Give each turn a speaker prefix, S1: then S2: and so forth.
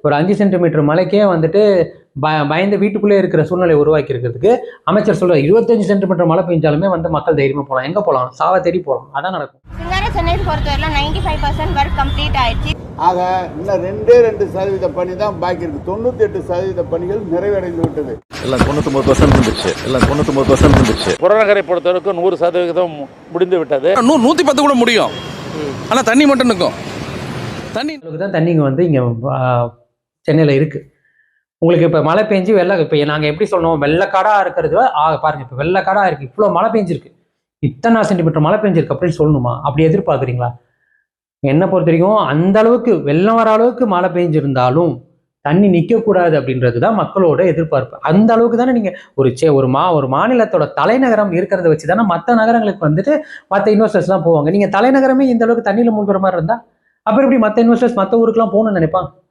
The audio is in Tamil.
S1: ஒரு 5 சென்டிமீட்டர் மழைக்கே வந்துட்டு பயந்து வீட்டுக்குள்ளே இருக்கிற சூழ்நிலை உருவாக்கி இருக்கிறதுக்கு அமைச்சர் சொல்ற 25 சென்டிமீட்டர் மழை பெஞ்சாலுமே வந்து மக்கள் தைரியமா போகலாம். எங்க போகலாம்? சாவ தேடி போகலாம். அதான் நடக்கும்.
S2: சென்னை பொறுத்தவரை 95% ஒர்க் கம்ப்ளீட் ஆயிடுச்சு.
S3: ஆக இன்னும் 2% பணி தான் பாக்கி இருக்கு. 98% பணிகள் நிறைவடைந்து விட்டது.
S4: எல்லாம் 99% இருந்துச்சு. எல்லாம் 99% இருந்துச்சு.
S5: புறநகரை பொறுத்தவரைக்கும் 100% முடிந்து விட்டது.
S6: 110 கூட முடியும். ஆனா தண்ணி மட்டும் நிற்கும்.
S1: தண்ணிங்க வந்து இங்க சென்னையில இருக்கு. உங்களுக்கு இப்போ மழை பெஞ்சு இப்போ நாங்கள் எப்படி சொல்லணும், வெள்ளக்காடாக இருக்கிறது பாருங்க, இப்போ வெள்ளக்காடாக இருக்குது, இவ்வளோ மழை பெஞ்சிருக்கு, இத்தனை சென்டிமீட்டர் மழை பெஞ்சிருக்கு அப்படின்னு சொல்லணுமா? அப்படி எதிர்பார்க்குறீங்களா? என்னை பொறுத்த வரைக்கும் அந்த அளவுக்கு வெள்ளம் வர அளவுக்கு மழை பெஞ்சிருந்தாலும் தண்ணி நிற்கக்கூடாது அப்படின்றது தான் மக்களோட எதிர்பார்ப்பு. அந்த அளவுக்கு தானே நீங்கள் ஒரு மாநிலத்தோட தலைநகரம் இருக்கிறத வச்சு தானே மற்ற நகரங்களுக்கு வந்துட்டு மற்ற இன்வெஸ்டர்ஸ்லாம் போவாங்க. நீங்கள் தலைநகரமே இந்த அளவுக்கு தண்ணியில் மூழ்கிற மாதிரி இருந்தால் அப்புறம் எப்படி மற்ற இன்வெஸ்டர்ஸ் மற்ற ஊருக்குலாம் போகணும்னு நினைப்பான்?